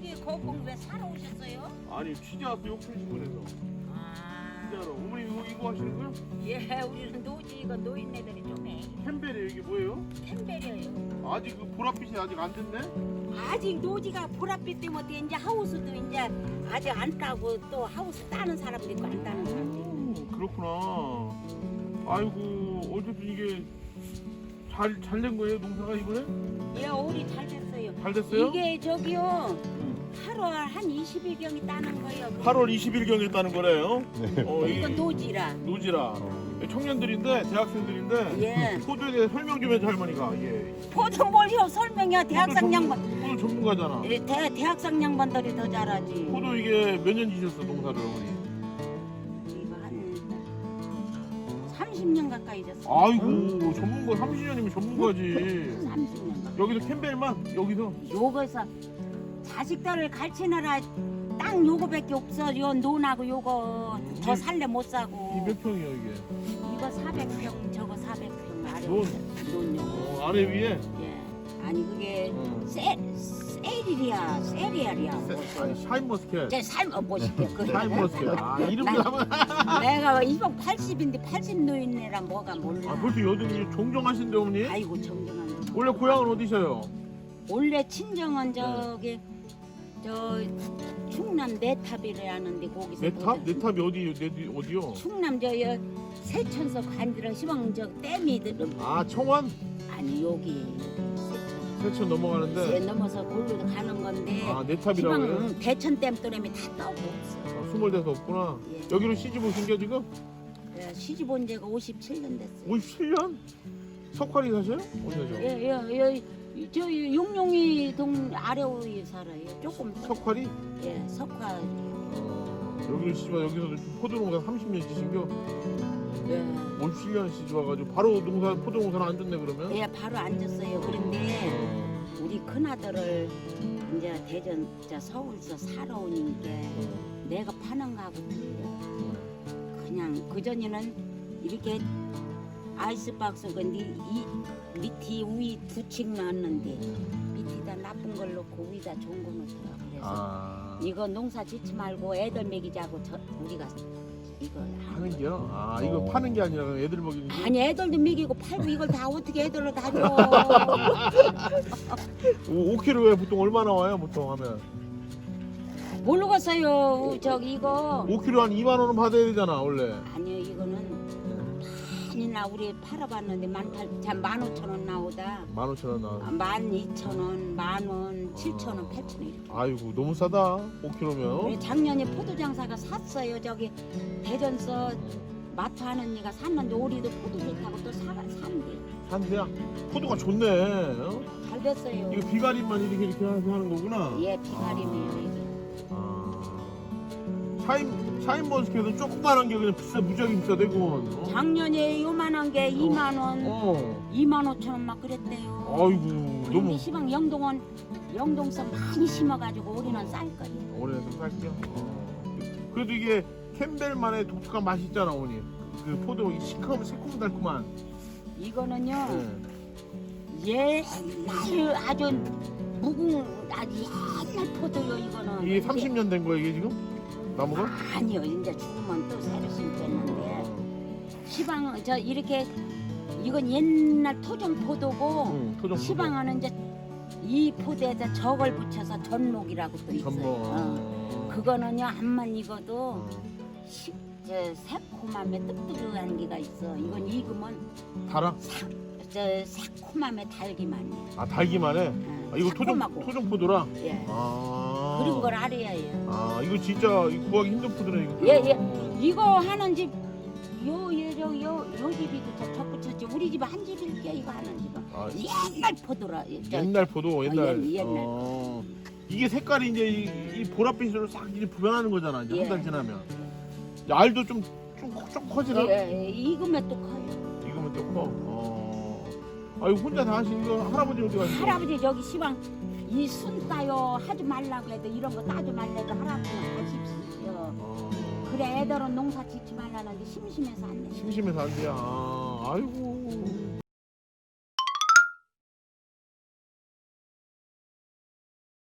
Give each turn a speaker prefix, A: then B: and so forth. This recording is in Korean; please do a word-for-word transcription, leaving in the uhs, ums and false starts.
A: 여기 거기 왜 사러 오셨어요?
B: 아니 취재 왔어 용천시군에서.
A: 아,
B: 진짜로. 어머니 이거 이거 하시는 거야?
A: 예, 우리는 노지 이거 노인네들이 좀 해.
B: 캠벨이 이게 뭐예요?
A: 캠벨이에요.
B: 아직 그 보랏빛이 아직 안 됐네?
A: 아직 노지가 보랏빛 때문에 이제 하우스도 이제 아직 안 따고 또 하우스 따는 사람도 있고 안 따는 사람도 있고.
B: 음, 그렇구나. 아이고 어쨌든 이게 잘 잘 된 거예요 농사가 이번에?
A: 예, 올이 잘 됐어요.
B: 잘 됐어요?
A: 이게 저기요 팔월 한 이십 일경이 따는 거예요.
B: 팔월 이십일경에 따는 거래요.
C: 네.
B: 어, 이
A: 이건 노지라.
B: 노지라. 청년들인데 대학생들인데
A: 예.
B: 포도에 대해 설명 좀 해줘 할머니가. 예.
A: 포도 뭘요 설명이야 대학생
B: 포도
A: 양반.
B: 전문- 포도 전문가잖아.
A: 예, 대, 대학생 양반들이 더 잘하지.
B: 포도 이게 몇 년 지셨어 농사를 어머니?
A: 이거 한 삼십 년 가까이 됐어.
B: 아이고 전문가 삼십 년이면 전문가지.
A: 삼십 년 가까이.
B: 여기서 캠벨만 여기서.
A: 요거서 자식들을 가르치느라 땅 요거밖에 없어. 요 논하고 요거 더 살래 못 사고.
B: 이 몇 평이에요 이게?
A: 이거 사백 평 저거 사백 평 아래
B: 논.
A: 논 요거.
B: 어, 아래 위에.
A: 예. 아니 그게
B: 어.
A: 세 세릴이야 세리알이야.
B: 세- 아니 샤인머스켓.
A: 제 삶어 보실게. 그
B: 샤인머스켓. 아 이름도 하면.
A: 내가 이번 팔십인데 팔십 노인네라 뭐가 몰라.
B: 아 벌써 여든이 종종하신데 어머니?
A: 아이고 정정한.
B: 원래 고향은 어디셔요?
A: 원래 친정은 저기 저 충남 내탑이라는데 거기서
B: 내 탑?
A: 보자.
B: 내 탑이 어디 내 어디요?
A: 충남 저 여- 세천서 관들어 시방 저 댐이 들은
B: 아 청원?
A: 아니 여기 세천
B: 세천 넘어가는데.
A: 세 넘어서 골로 가는 건데
B: 아 내 탑이라고요?
A: 시방 대천 댐 또래미 다 떠고 없어.
B: 아, 스물 대서 없구나.
A: 예.
B: 여기로 시집 오신 게 지금?
A: 예, 시집 온 지가 오십칠 년 됐어요.
B: 오십칠 년? 석화리 사세요? 어디 사죠?
A: 예예예 저 용룡이 동 아래에 살아요. 조금
B: 석화리?
A: 예 석화
B: 어, 여기로 시집 와 여기서 포도농사 삼십 년 지신겨?
A: 예.
B: 오십칠 년 시집 와가지고 바로 농사 포도농사는 안 줬네 그러면?
A: 예 바로 앉았어요. 그런데
B: 어,
A: 우리 큰아들을 이제 대전 저 서울서 살아 오니까 내가 파는 거하고 틀려. 그냥 그 전에는 이렇게 아이스박스 근데 이 밑이 위 두 층 놨는데 밑에다 나쁜 걸 넣고 위에다 좋은 거 넣더라. 그래서
B: 아
A: 이거 농사 짓지 말고 애들 먹이자고 저 우리가 이걸
B: 파는 게요? 아 이거 파는 게 아니라 애들 먹이는 게?
A: 아니 애들도 먹이고 팔고 이걸 다 어떻게 애들로 다 줘.
B: 오 킬로에 보통 얼마 나와요 보통 하면?
A: 모르겠어요. 저기 이거
B: 오 킬로그램 한 이만 원은 받아야 되잖아 원래.
A: 아니요 이거는 많이나 우리 팔아봤는데 만팔만 오천 원 나오다.
B: 만 오천 원 나와.
A: 만 이천 원, 만 원, 칠천 원, 팔천 원 이렇게.
B: 아이고 너무 싸다 오 킬로그램면.
A: 우리 작년에 포도 장사가 샀어요. 저기 대전서 마트 하는 이가 샀는데 올해도 포도 좋다고 또 사, 산대.
B: 산대야. 포도가 좋네. 어?
A: 잘 됐어요.
B: 이거 비가림만 이렇게 이렇게 해서 하는 거구나.
A: 예, 비가림이에요. 이게.
B: 아. 샤인 샤인머스켓은 조그만한 게 그냥 비싸 무지하게 비싸대고. 어?
A: 작년에 요만한 게 이만 원,
B: 어.
A: 이만 오천 원 막 그랬대요.
B: 아이고
A: 우리
B: 너무
A: 시방 영동은 영동서 많이 심어가지고 올해는 쌀 거예요.
B: 오래 좀 살게요. 어. 그래도 이게 캠벨만의 독특한 맛이 있잖아 어머니. 그 포도 이 시커먼 새콤달콤한.
A: 이거는요
B: 네.
A: 옛날 아주 무궁 아주 옛날 포도요 이거는.
B: 이게 삼십 년 된 거예요 이게 지금? 나무가?
A: 아니요 이제 죽으면 또 새로 심겠는데 시방 저 이렇게 이건 옛날 토종 포도고
B: 응, 토종 포도.
A: 시방은 이제 이 포도에다 저걸 붙여서 전목이라고 또 있어요.
B: 전복.
A: 어. 그거는요 암만 익어도 시, 저 새콤함에 뜨뜻한 게가 있어. 이건 익으면
B: 달아?
A: 사, 저 새콤함에 달기만 해.
B: 아 달기만 해?
A: 어,
B: 아, 이거 토종,
A: 새콤하고.
B: 토종 포도라?
A: 예.
B: 아.
A: 그런 걸 알아야 해요.
B: 아 이거 진짜 구하기 힘든 포도네 이거.
A: 예, 예. 이거 하는 집, 요, 요, 요, 요, 요 집이 저, 저 붙였지. 우리 집 한 집일게, 이거 하는 집은.
B: 아,
A: 옛날 포도라. 예, 저,
B: 옛날 포도 옛날.
A: 옛- 옛날.
B: 어. 이게 색깔이 이제 이, 이 보랏빛으로 싹 이제 변하는 거잖아. 이제
A: 예.
B: 한 달 지나면. 알도 좀 좀 좀 커지나?
A: 예, 예, 익으면 또 커요.
B: 이거면 또 커. 어. 아 이거 혼자 다 하신 거 할아버지 어디 가시죠?
A: 할아버지 저기 시방 이 순 따요 하지 말라고 해도 이런 거 따지 말라고 할아버지는 하십시오.
B: 어.
A: 그래 애들은 농사 짓지 말라는데 심심해서 안 돼.
B: 심심해서 안 돼요. 아, 아이고.